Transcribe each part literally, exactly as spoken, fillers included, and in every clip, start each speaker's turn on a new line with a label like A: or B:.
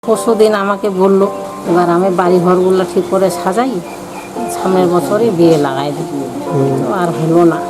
A: পরশুদিন আমাকে বলল, এবার আমি বাড়ি ঘরগুলো ঠিক করে সাজাই, সামনের বছরে বিয়ে লাগাই দিই। তো আর হলো না।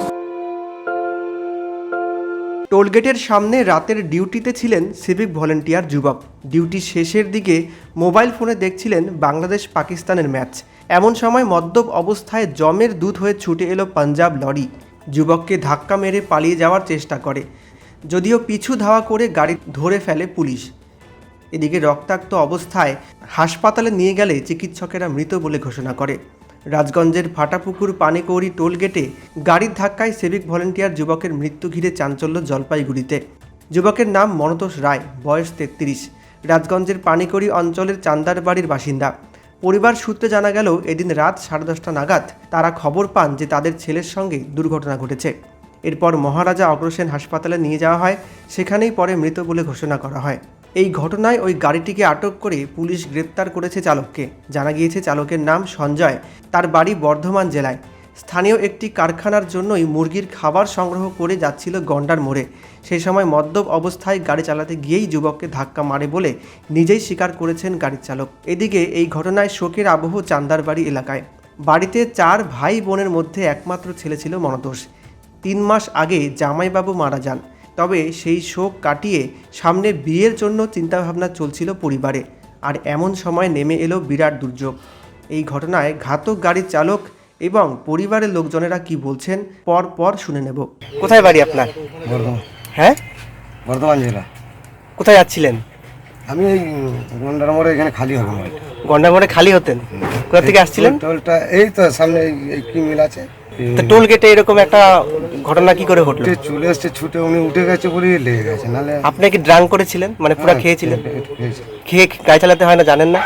B: টোলগেটের সামনে রাতের ডিউটিতে ছিলেন সিভিক ভলেন্টিয়ার যুবক। ডিউটি শেষের দিকে মোবাইল ফোনে দেখছিলেন বাংলাদেশ পাকিস্তানের ম্যাচ। এমন সময় মদ্যপ অবস্থায় জমের দুধ হয়ে ছুটে এলো পাঞ্জাব লরি। যুবককে ধাক্কা মেরে পালিয়ে যাওয়ার চেষ্টা করে, যদিও পিছু ধাওয়া করে গাড়ি ধরে ফেলে পুলিশ। এদিকে রক্তাক্ত অবস্থায় হাসপাতালে নিয়ে গেলে চিকিৎসকেরা মৃত বলে ঘোষণা করে। রাজগঞ্জের ফাটাপুকুর পানিকৌড়ি টোলগেটে গাড়ির ধাক্কায় সিভিক ভলেন্টিয়ার যুবকের মৃত্যু ঘিরে চাঞ্চল্য জলপাইগুড়িতে। যুবকের নাম মনতোষ রায়, বয়স তেত্রিশ, রাজগঞ্জের পানিকৌড়ি অঞ্চলের চান্দার বাড়ির বাসিন্দা। পরিবার সূত্রে জানা গেল, এদিন রাত সাড়ে দশটা নাগাদ তারা খবর পান যে তাদের ছেলের সঙ্গে দুর্ঘটনা ঘটেছে। এরপর মহারাজা অগ্রসেন হাসপাতালে নিয়ে যাওয়া হয়, সেখানেই পরে মৃত বলে ঘোষণা করা হয়। এই ঘটনায় ওই গাড়িটিকে আটক করে পুলিশ গ্রেপ্তার করেছে চালককে। জানা গিয়েছে চালকের নাম সঞ্জয়, তার বাড়ি বর্ধমান জেলায়। স্থানীয় একটি কারখানার জন্যই মুরগির খাবার সংগ্রহ করে যাচ্ছিল গন্ডার মোড়ে। সেই সময় মদ্যপ অবস্থায় গাড়ি চালাতে গিয়েই যুবককে ধাক্কা মারে বলে নিজেই স্বীকার করেছেন গাড়ির চালক। এদিকে এই ঘটনায় শোকের আবহ চান্দারবাড়ি এলাকায়। বাড়িতে চার ভাই বোনের মধ্যে একমাত্র ছেলে ছিল মনতোষ। তিন মাস আগে জামাইবাবু মারা যান। তবে সেই শোক কাটিয়ে সামনে বিয়ের জন্য চিন্তাভাবনা চলছিল পরিবারে। আর এমন সময় নেমে এলো বিরাট দুর্যোগ। এই ঘটনায় ঘাতক গাড়ির চালক এবং পরিবারের লোকজনেরা কি বলছেন পর পর শুনে নেব। কোথায় বাড়ি আপনার?
C: বর্ধমান।
B: হ্যাঁ,
C: বর্ধমান জেলা।
B: কোথায় যাচ্ছিলেন?
C: আমি এই গন্ডার মোড়ে এখানে খালি হবে না।
B: গন্ডার মোড়ে খালি হতেন? কোথা থেকে আসছিলেন?
C: টোলটা এই তো সামনে এই কি মিল আছে,
B: তো টোল গেটে এরকম একটা ঘটনা কি করে ঘটলো?
C: চলে এসছে ছুটে, উনি উঠে গেছে বলে লেগে গেছে। নাহলে
B: আপনি কি ড্রাঙ্ক করেছিলেন, মানে পুরো খেয়েছিলেন?
C: খেয়েছি।
B: খেয়ে গাড়ি চালাতে হয় না, জানেন না?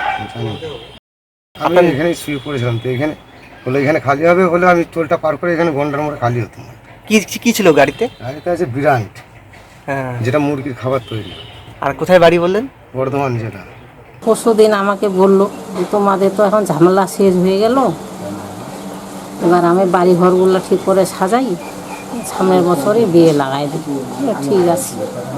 C: আমি এখানে শুয়ে পড়েছিলাম, তো এখানে বলে এখানে খালি হবে বলে আমি টোলটা পার করে এখানে গন্ডার মোড়ে খালি হতাম।
B: কি কি ছিল গাড়িতে?
C: গাড়িতে আছে বিরাট,
B: হ্যাঁ,
C: যেটা মুরগির খাবার তৈরি।
B: আর কোথায় বাড়ি বললেন?
C: বর্ধমান জেলা।
A: পরশুদিন আমাকে বলল যে তোমাদের তো এখন ঝামেলা শেষ হয়ে গেল, এবার আমি বাড়ি ঘরগুলো ঠিক করে সাজাই, সামনের বছরে বিয়ে লাগাই দিই। ঠিক আছে,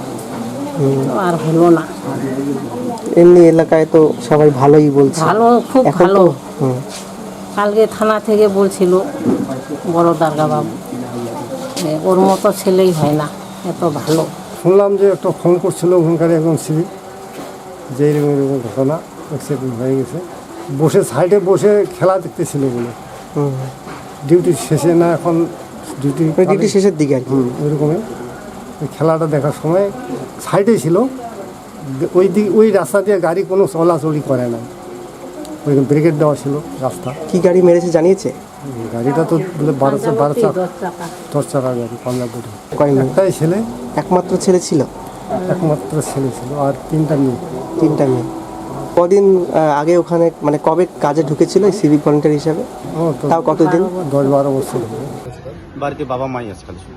A: তো আর হলো না।
B: এমনি এলাকায় তো সবাই ভালোই বলছে।
A: ভালো, খুব ভালো। কালকে থানা থেকে বলছিল বড় দারগা বাবু, যে ওর মতো ছেলেই হয় না, এত ভালো।
D: শুনলাম যে একটা ফোন করছিল ওখানকার একজন সিভিক, যে এরকম এরকম ঘটনা অ্যাক্সিডেন্ট হয়ে গেছে। বসে সাইডে বসে খেলা দেখতেছিল বলে, ডিউটি শেষে না, এখন ডিউটি
B: ডিউটি শেষের দিকে আর কি।
D: হুম ওইরকমই ওই খেলাটা দেখার সময় সাইডে ছিল, ওই দিক ওই রাস্তা দিয়ে গাড়ি কোনো চলাচলই করে না, ওই ব্রেকেট দেওয়া ছিল রাস্তা।
B: কি গাড়ি মেরেছে জানিয়েছে?
D: গাড়িটা তো বলে বারো বারো চাকা দশ চাকার গাড়ি, পাঞ্জাব গাড়ি। একটাই ছেলে,
B: একমাত্র ছেলে ছিল?
D: একমাত্র ছেলে ছিল, আর তিনটা মেয়ে।
B: তিনটা মেয়ে। কদিন আগে ওখানে, মানে কবে কাজে ঢুকেছিল সিভিক ভলেন্টিয়ার হিসাবে?
D: ও তো
B: তাও কতদিন?
D: দশ বারো বছর।
E: বাড়িতে বাবা মাই আছে খালি।